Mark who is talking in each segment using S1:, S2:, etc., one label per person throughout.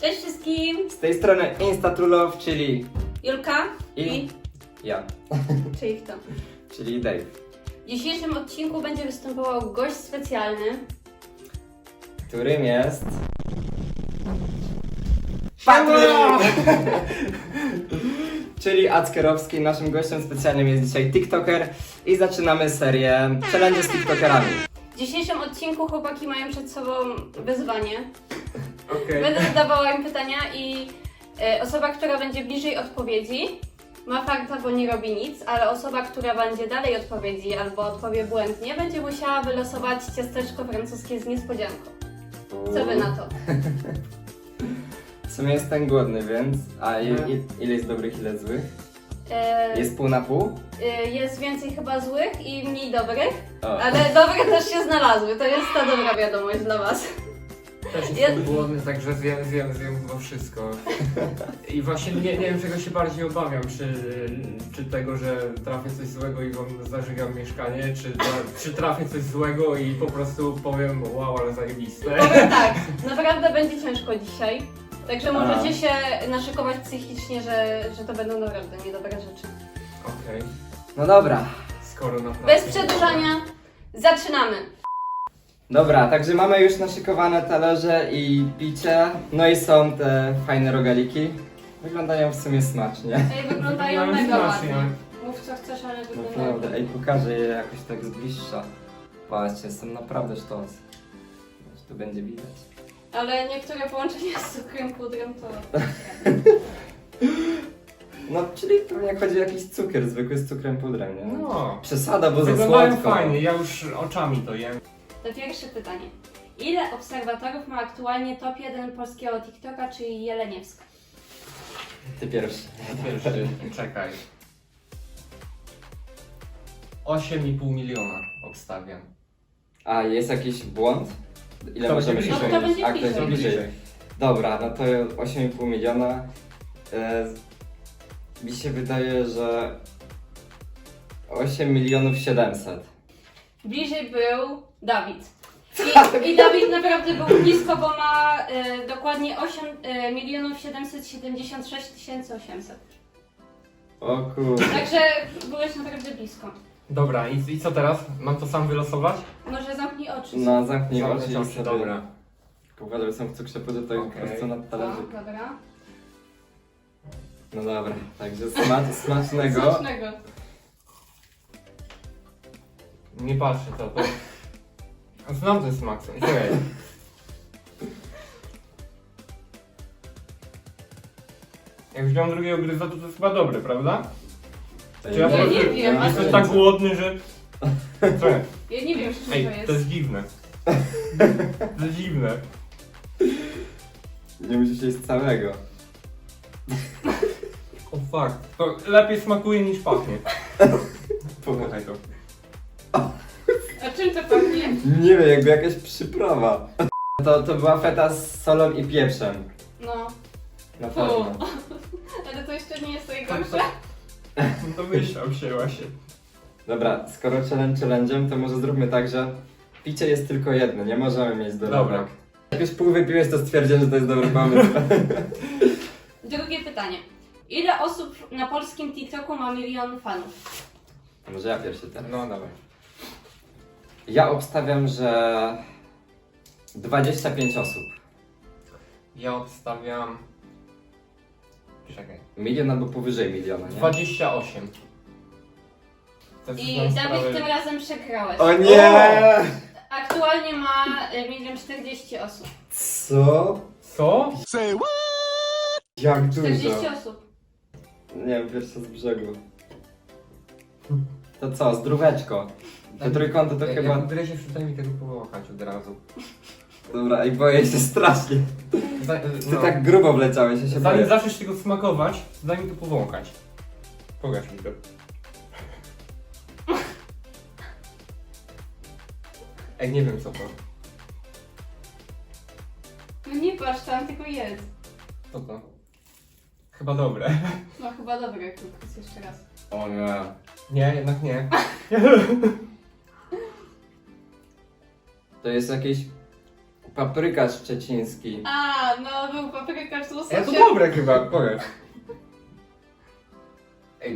S1: Cześć wszystkim!
S2: Z tej strony Instatrulow, czyli
S1: Julka
S2: i ja,
S1: czyli kto?
S2: czyli Dave.
S1: W dzisiejszym odcinku będzie występował gość specjalny.
S2: Którym jest...
S3: Siema!
S2: Czyli Ackerowski. Naszym gościem specjalnym jest dzisiaj TikToker i zaczynamy serię challenge z TikTokerami.
S1: W dzisiejszym odcinku chłopaki mają przed sobą wyzwanie.
S3: Okej.
S1: Będę zadawała im pytania i osoba, która będzie bliżej odpowiedzi, ma farta, bo nie robi nic, ale osoba, która będzie dalej odpowiedzi albo odpowie błędnie, będzie musiała wylosować ciasteczko francuskie z niespodzianką. Co wy na to?
S2: W sumie jestem głodny, więc... A
S3: Mhm.
S2: ile jest dobrych, ile złych?
S1: E,
S2: Jest pół na pół?
S1: jest więcej chyba złych i mniej dobrych,
S2: O.
S1: ale dobre też się znalazły. To jest ta dobra wiadomość dla was.
S3: Też jestem głodny, także zjem chyba wszystko. I właśnie nie wiem czego się bardziej obawiam, czy tego, że trafię coś złego i wam zażygam mieszkanie, czy trafię coś złego i po prostu powiem wow, ale zajebiste.
S1: Powiem tak, naprawdę będzie ciężko dzisiaj. Także
S2: A.
S1: możecie się naszykować psychicznie, że to będą naprawdę niedobre rzeczy.
S3: Okej,
S2: No dobra.
S3: skoro naprawdę...
S1: Bez przedłużania, zaczynamy!
S2: Dobra, także mamy już naszykowane talerze i picie. No i są te fajne rogaliki. Wyglądają w sumie smacznie.
S1: Ej, wyglądają
S3: Wyglądają
S1: mega
S3: smacznie.
S1: ładnie. Mów co chcesz, ale wyglądają.
S2: Naprawdę, ej, pokażę je jakoś tak z bliższa. Patrzcie, są naprawdę sztos. Tu będzie widać.
S1: Ale niektóre połączenia z cukrem, pudrem to...
S2: No, czyli pewnie chodzi o jakiś cukier, zwykły z cukrem pudrem, nie?
S3: No,
S2: Przesada, bo za
S3: wyglądają
S2: słodko.
S3: fajnie, ja już oczami to jem.
S1: To pierwsze pytanie. Ile obserwatorów ma aktualnie top 1 polskiego TikToka, czyli Jeleniewska?
S2: Ty pierwszy.
S3: Pierwszy, czekaj. 8,5 miliona obstawiam.
S2: A, jest jakiś błąd? Ile
S3: Kto
S2: możemy
S3: będzie
S2: się
S3: bliżej?
S1: No, kto będzie
S2: A, kto jest
S1: bliżej?
S2: bliżej? Dobra, no to 8,5 miliona. Mi się wydaje, że 8 milionów 700.
S1: Bliżej był Dawid. I Dawid naprawdę był blisko, bo ma dokładnie 8 milionów 776 800.
S2: O kurde.
S1: Także byłeś naprawdę blisko.
S3: Dobra, i co teraz? Mam to sam wylosować?
S1: Może zamknij oczy.
S2: No, zamknij oczy i
S3: Zamknę
S2: sobie...
S3: dobra.
S2: Uważaj, że są w cukrze pudrze, to
S3: Okej.
S2: po prostu na
S1: No,
S2: talerzyk.
S1: dobra.
S2: No dobra, także smacznego.
S1: Smacznego.
S3: Nie patrzę to. Znam ten smak. Okej. Jak wziąłem drugiego gryza, to jest chyba dobre, prawda? Czy
S1: Ja
S3: po prostu
S1: nie wiem, a
S3: jestem
S1: co-
S3: tak głodny, że... Co?
S1: Ja nie wiem, z czym
S3: Ej,
S1: to
S3: to
S1: jest.
S3: jest dziwne. To jest dziwne.
S2: Nie musisz jeść całego.
S3: O fuck. To lepiej smakuje niż pachnie. Powąchaj to.
S1: A czym to pachnie?
S2: Nie wiem, jakby jakaś przyprawa. To była feta z solą i pieprzem.
S1: No.
S2: Na
S1: Fu.
S2: pewno.
S1: Ale to jeszcze nie jest
S3: To,
S1: najgorsze.
S3: to myślał się właśnie.
S2: Dobra, skoro challenge'em, to może zróbmy tak, że picie jest tylko jedno, nie możemy mieć dorobek.
S3: Dobra.
S2: Jak już pół wypiłeś, to stwierdzę, że to jest dobry pomysł.
S1: Drugie pytanie. Ile osób na polskim TikToku ma 1 000 000 fanów?
S2: Może ja pierwszy teraz.
S3: No dawaj.
S2: Ja obstawiam, że 25 osób.
S3: Ja obstawiam... Czekaj.
S2: Milion albo powyżej miliona, nie?
S3: 28. To jest
S1: I
S3: znam
S1: Dawid
S3: sprawę-
S1: tym razem przegrałeś.
S2: O nie!
S1: Aktualnie ma 1 040 000 osób.
S2: Co?
S3: Co?
S2: Jak dużo?
S1: 40 osób.
S2: Nie wiem, pierwsze z brzegu. To co, zdróweczko? Te trójkąty to chyba...
S3: Jak gryziesz, przynajmniej mi tego powąchać od razu.
S2: Dobra, i boję się strasznie. Ty tak grubo wleciałeś, ja się
S3: Zanim
S2: boję.
S3: zaczniesz tego smakować, daj mi to powąchać. Pokaż mi to. Ej, nie wiem co to.
S1: No nie patrz tam, tylko jedz.
S3: Co to? Chyba dobre.
S1: No chyba dobre, Kukus, jeszcze raz.
S2: O nie.
S3: Nie, jednak nie.
S2: To jest jakieś Paprykarz szczeciński.
S1: A, no był paprykarz z łososiem.
S3: To dobre chyba, powiedz. Ej.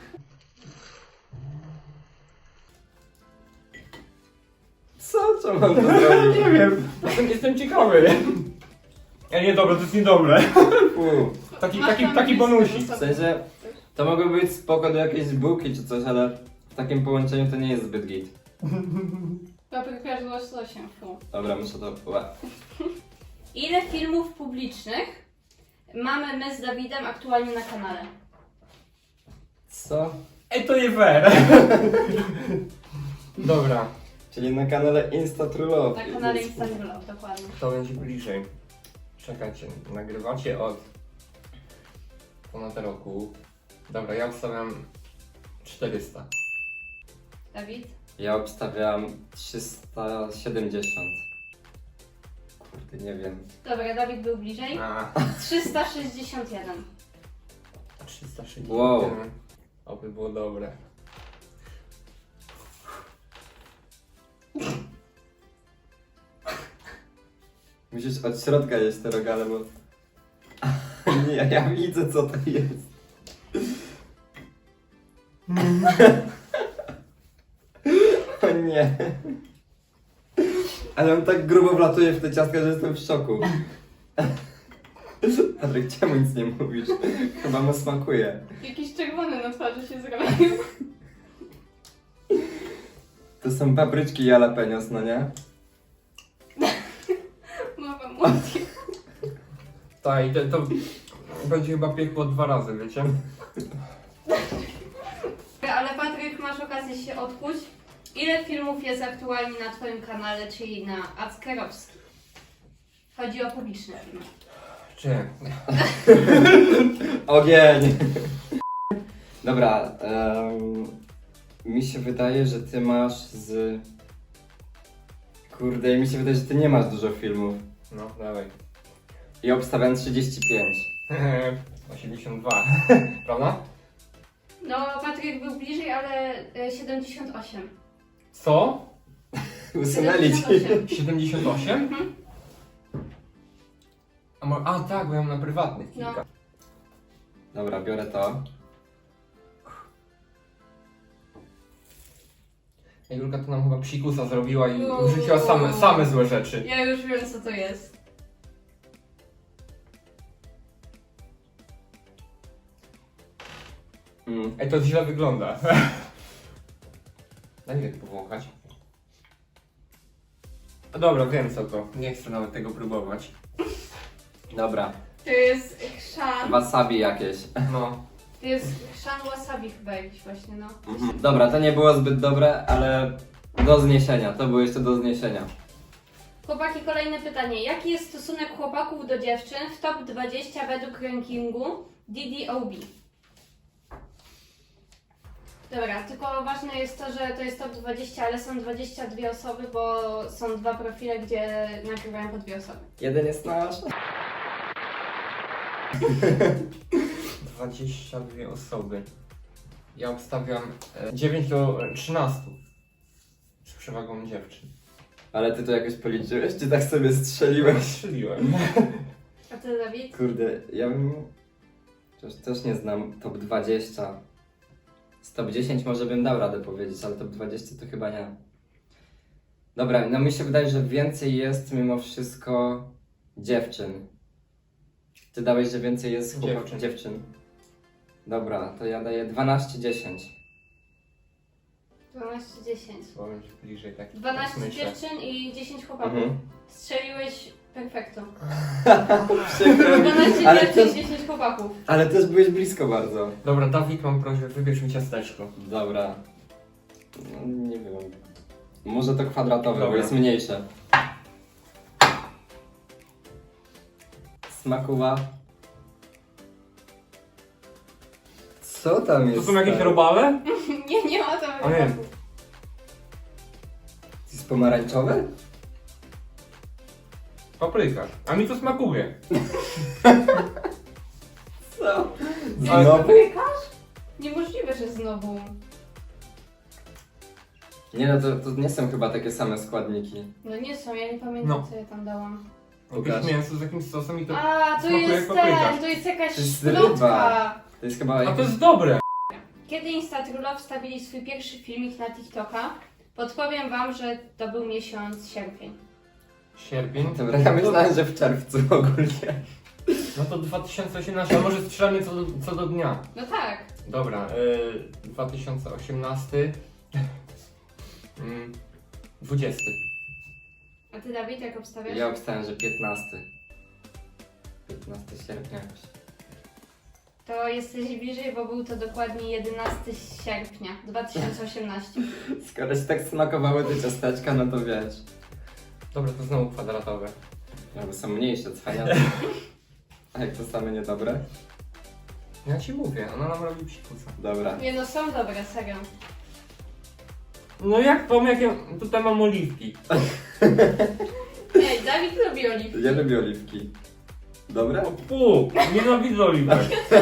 S2: Co? Co mam to zrobić?
S3: Nie wiem, jestem ciekawy. Ej, niedobre, to jest niedobre.
S2: Fu.
S3: Taki bonusik.
S2: W sensie, to mogło być spoko do jakiejś bułki czy coś, ale w takim połączeniu to nie jest zbyt git.
S1: Paprykarz z łososiem, fu.
S2: Dobra, muszę to... Ła.
S1: Ile filmów publicznych mamy my z Dawidem aktualnie na kanale?
S2: Co?
S3: Ej, to nie fair. Dobra,
S2: Czyli na kanale Insta-Trulowy.
S1: Na kanale Instagram, dokładnie.
S3: to będzie bliżej. Czekajcie, nagrywacie od ponad roku. Dobra, ja obstawiam 400.
S1: Dawid?
S2: Ja obstawiam 370. Kurde, nie wiem.
S1: Dobra, Dawid był bliżej.
S3: A,
S1: 361.
S3: 360.
S2: Wow.
S3: Oby było dobre.
S2: Musisz od środka jeść te rogale, bo... Nie, ja widzę co to jest. O nie. Ale on tak grubo wlatuje w te ciastka, że jestem w szoku. Patryk, czemu nic nie mówisz? Chyba mu smakuje.
S1: Jakiś czerwony na twarzy się zrobił.
S2: To są papryczki jalapenos, no nie?
S1: Mama mówi.
S3: Tak, i to będzie chyba piekło 2 razy, wiecie?
S1: Ale Patryk, masz okazję się odkuć. Ile filmów jest aktualnie na twoim kanale, czyli na Ackerowski? Chodzi o publiczne filmy.
S3: Czy?
S2: Ogień! Dobra, mi się wydaje, że ty masz z... Kurde, mi się wydaje, że ty nie masz dużo filmów.
S3: No, dawaj.
S2: I obstawiam 35.
S3: 82. Prawda?
S1: No, Patryk był bliżej, ale 78.
S3: Co?
S2: Usunęli ci.
S3: 78?
S1: Mhm.
S3: A tak, bo ja mam na prywatnych
S1: No.
S3: kilka.
S2: Dobra, biorę to.
S3: Julka to nam chyba psikusa zrobiła i
S1: Uuu.
S3: wrzuciła same złe rzeczy.
S1: Ja już wiem, co to jest.
S3: Ej, to źle wygląda. Daj mi tak powąchać. No dobra, wiem co to. Nie chcę nawet tego próbować.
S2: Dobra,
S1: To jest chrzan.
S2: wasabi jakieś.
S3: No.
S1: To jest chrzan wasabi chyba jakiś właśnie, no.
S2: Dobra, to nie było zbyt dobre, ale do zniesienia. To było jeszcze do zniesienia.
S1: Chłopaki, kolejne pytanie. Jaki jest stosunek chłopaków do dziewczyn w top 20 według rankingu DDOB? Dobra, tylko ważne jest to, że to jest top 20, ale są 22 osoby, bo są 2 profile, gdzie nagrywają po 2 osoby.
S2: Jeden jest nasz.
S3: 22 osoby. Ja obstawiam 9 do 13. Z przewagą dziewczyn.
S2: Ale ty to jakoś policzyłeś, czy tak sobie strzeliłeś?
S3: Strzeliłem.
S1: A ty, Dawid?
S2: Kurde, ja bym... Też nie znam top 20. Z top 10 może bym dał radę powiedzieć, ale top 20 to chyba nie. Dobra, no mi się wydaje, że więcej jest mimo wszystko dziewczyn. Ty dałeś, że więcej jest dziewczyn. Dobra, to ja daję 12-10.
S1: 12-10.
S3: Trzeba być bliżej tak.
S1: 12
S3: myślę.
S1: dziewczyn i 10 chłopaków.
S2: Mhm.
S1: Strzeliłeś perfekto.
S2: Przykro mi.
S1: 12
S2: Ale
S1: dziewczyn,
S2: też,
S1: 10 chłopaków.
S2: ale też byłeś blisko bardzo.
S3: Dobra, Dawid, mam prośbę, wybierz mi ciasteczko.
S2: Dobra. No, nie wiem. Może to kwadratowe, bo
S3: Dobra.
S2: jest mniejsze. Smakuwa. Co tam jest?
S3: To są jakieś
S2: stary?
S3: robale?
S1: Nie ma tam
S3: A nie.
S1: chłopaków.
S2: Jest pomarańczowe?
S3: Paprykarz. A mi to smakuje.
S2: Co?
S3: Ale-
S2: Znowu?
S1: Paprykarz? Niemożliwe, że znowu.
S2: Nie no, to nie są chyba takie same składniki.
S1: No nie są, ja nie pamiętam
S3: No.
S1: co ja tam dałam.
S3: Jakieś mięso z jakimś sosem i to...
S1: A, to
S3: smakuje
S1: jest
S3: jak papryka.
S1: ten, to jest jakaś
S2: To jest
S1: szprotka.
S2: ryba. To jest chyba...
S3: A to jest dobre!
S1: Kiedy Instatrula wstawili swój pierwszy filmik na TikToka, podpowiem wam, że to był miesiąc sierpień.
S3: Sierpień.
S2: Dobra, ja myślałem, że w czerwcu ogólnie.
S3: No to 2018, a może strzelamy co do dnia.
S1: No tak.
S3: Dobra, 2018. 20.
S1: A ty, Dawid, jak obstawiasz?
S2: Ja obstałem, że 15. 15 sierpnia jakoś.
S1: To jesteś bliżej, bo był to dokładnie 11 sierpnia 2018.
S2: Skoro ci tak smakowały te ciasteczka, no to wiesz.
S3: Dobra, to znowu kwadratowe.
S2: No bo są mniejsze, cwaniacze. A jak to same niedobre?
S3: Ja ci mówię, ona nam robi psikusa.
S2: Dobra.
S1: Nie no, są dobre, serio.
S3: No jak to, jak ja... Tutaj mam oliwki.
S1: Ej, Dawid lubi oliwki.
S2: Ja lubię oliwki. Dobre?
S3: O pół! Nienawidzę oliwek.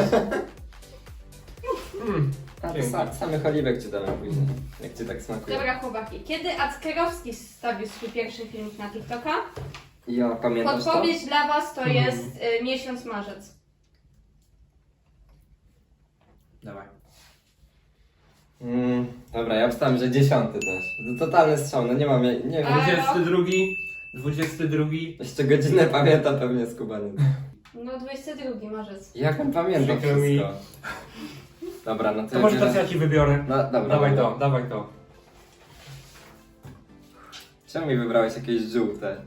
S2: A to
S3: Dzięki.
S2: samych oliwek ci dałem później. Jak ci tak smakuje.
S1: Dobra, chłopaki. Kiedy Ackerowski wstawił swój pierwszy filmik na TikToka?
S2: Ja pamiętasz to?
S1: Podpowiedź dla was to jest miesiąc marzec.
S2: Dawaj. Dobra, ja obstałem, że 10 też. To totalny strzał, no nie mam, nie wiem.
S1: A-
S3: 22.
S2: Jeszcze godzinę pamięta pewnie skubaniec.
S1: No 22 marzec.
S2: Jak on pamięta
S3: Przykro mi.
S2: wszystko? Dobra, no to
S3: To może
S2: biorę-
S3: teraz ja ci wybiorę.
S2: No dobra.
S3: Dawaj
S2: dobra.
S3: to, dawaj to.
S2: Czemu mi wybrałeś jakieś żółte?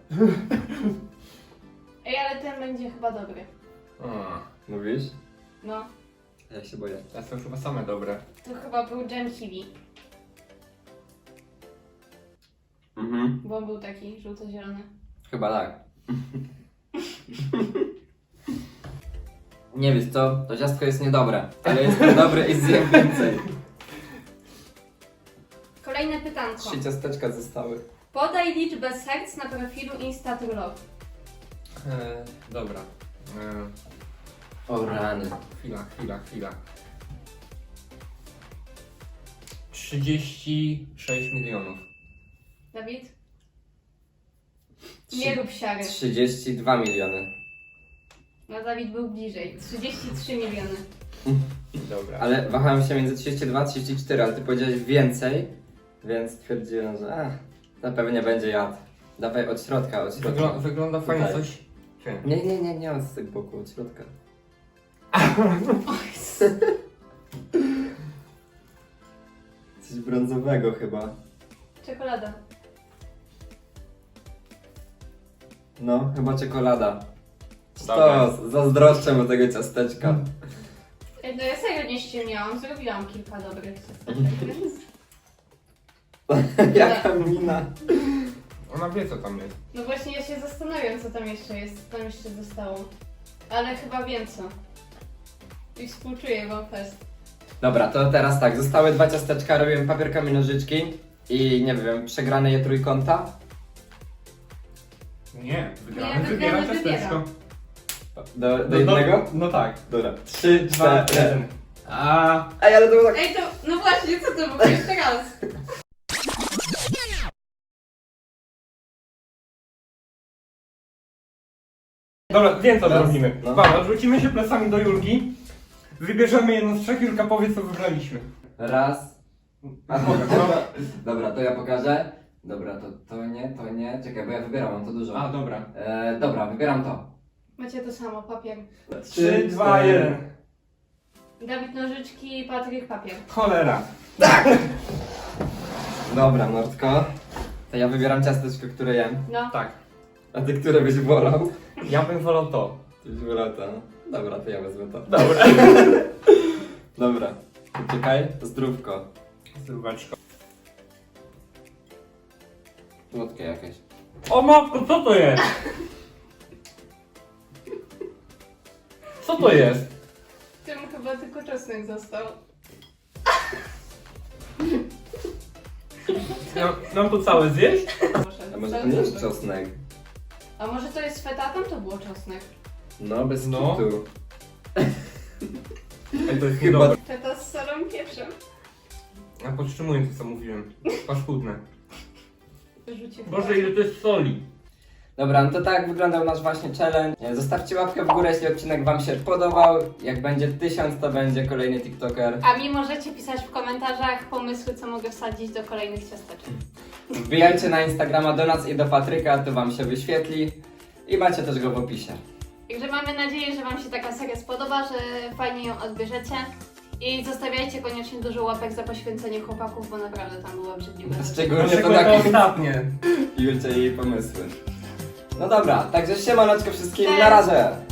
S1: Ej, ale ten będzie chyba dobry.
S2: Mówisz?
S1: No,
S2: Ja się boję.
S3: To są chyba same dobre.
S1: to chyba był Jam Kiwi,
S2: Mhm.
S1: bo on był taki żółto-zielony.
S2: Chyba tak. Nie wiesz co, to ciastko jest niedobre, ale jest dobre i zjem więcej.
S1: Kolejne pytanko.
S2: 3 ciasteczka zostały.
S1: Podaj liczbę serc na profilu Instatrulog.
S3: Dobra.
S2: O rany.
S3: Chwila. 36 milionów.
S1: Dawid? Nie rób siary.
S2: 32 miliony.
S1: No Dawid był bliżej. 33 miliony.
S3: Dobra.
S2: Ale wahałem się między 32 a 34, ale ty powiedziałeś więcej, więc stwierdziłem, że zapewne będzie jad. Dawaj od środka, od środka.
S3: Wygląda fajnie
S2: Tutaj.
S3: coś. Czy?
S2: Nie od z boku, od środka. Coś brązowego chyba.
S1: Czekolada.
S2: No, chyba czekolada.
S3: Dobra.
S2: Stos, zazdroszczę mu tego ciasteczka.
S1: Ej, no ja serio nie ściemniałam. Zrobiłam kilka dobrych ciasteczek, więc...
S2: Jaka mina.
S3: Ona wie co tam jest.
S1: No właśnie ja się zastanawiam, co tam jeszcze jest, co tam jeszcze zostało. Ale chyba wiem co. I współczuję wam fest.
S2: Dobra, to teraz tak, zostały 2 ciasteczka, robiłem papierkami nożyczki i nie wiem, przegrane je trójkąta.
S3: Nie,
S1: wygrany
S3: wybiera
S1: wybiera.
S3: ciasteczko.
S2: Do jednego?
S3: No tak.
S2: Dobra, 3,
S3: 2,
S2: 4.
S3: 1. A.
S2: Ej, ale to było tak...
S1: Ej, to, no właśnie, co to było jeszcze raz?
S3: Dobra, wiem co
S2: Raz,
S3: zrobimy.
S2: no.
S3: Dobra, odwrócimy się plecami do Julki. Wybierzemy jedno z 3, Julka powie co wybraliśmy.
S2: Raz. A,
S3: Dobra.
S2: dobra, to ja pokażę. Dobra, to nie. Czekaj, bo ja wybieram, mam to dużo.
S3: A, dobra.
S2: Dobra, wybieram to.
S1: Macie to samo, papier.
S3: 3, 2, 1.
S1: Dawid nożyczki, Patryk papier.
S3: Cholera.
S2: Dobra, Nordko. To ja wybieram ciasteczko, które jem.
S1: No,
S3: Tak.
S2: A ty, które byś wolał?
S3: Ja bym wolał to.
S2: Ty byś wolał to. Dobra, to ja wezmę to.
S3: Dobra.
S2: Dobra. Czekaj, zdrówko.
S3: Zdróweczko.
S2: Słodkie jakieś.
S3: O matko, co to jest? Co to jest?
S1: tym chyba tylko czosnek został.
S3: Mam to całe zjeść?
S2: A może to nie jest czosnek?
S1: A może to jest feta? Tam to było czosnek.
S2: No, bez
S3: No.
S2: kitu.
S3: Ej, to jest
S2: Chyba-
S3: niedobre.
S1: Feta z solą i pieprzem.
S3: Ja podtrzymuję to, co mówiłem. Paskudne.
S1: Wyrzucił
S3: Boże, ile to jest soli.
S2: Dobra, no to tak wyglądał nasz właśnie challenge. Zostawcie łapkę w górę, jeśli odcinek wam się podobał. Jak będzie 1000, to będzie kolejny TikToker.
S1: A mi możecie pisać w komentarzach pomysły, co mogę wsadzić do kolejnych ciasteczek.
S2: Wbijajcie na Instagrama do nas i do Patryka, to wam się wyświetli. I macie też go w opisie.
S1: Także mamy nadzieję, że wam się taka seria spodoba, że fajnie ją odbierzecie. I zostawiajcie koniecznie dużo łapek za poświęcenie chłopaków, bo naprawdę tam było obrzydliwe.
S2: Szczególnie to
S3: Szczególnie
S2: takie
S3: ostatnie.
S2: Julcie i jej pomysły. No dobra, także siemanoczko wszystkim,
S1: Cześć.
S2: na razie!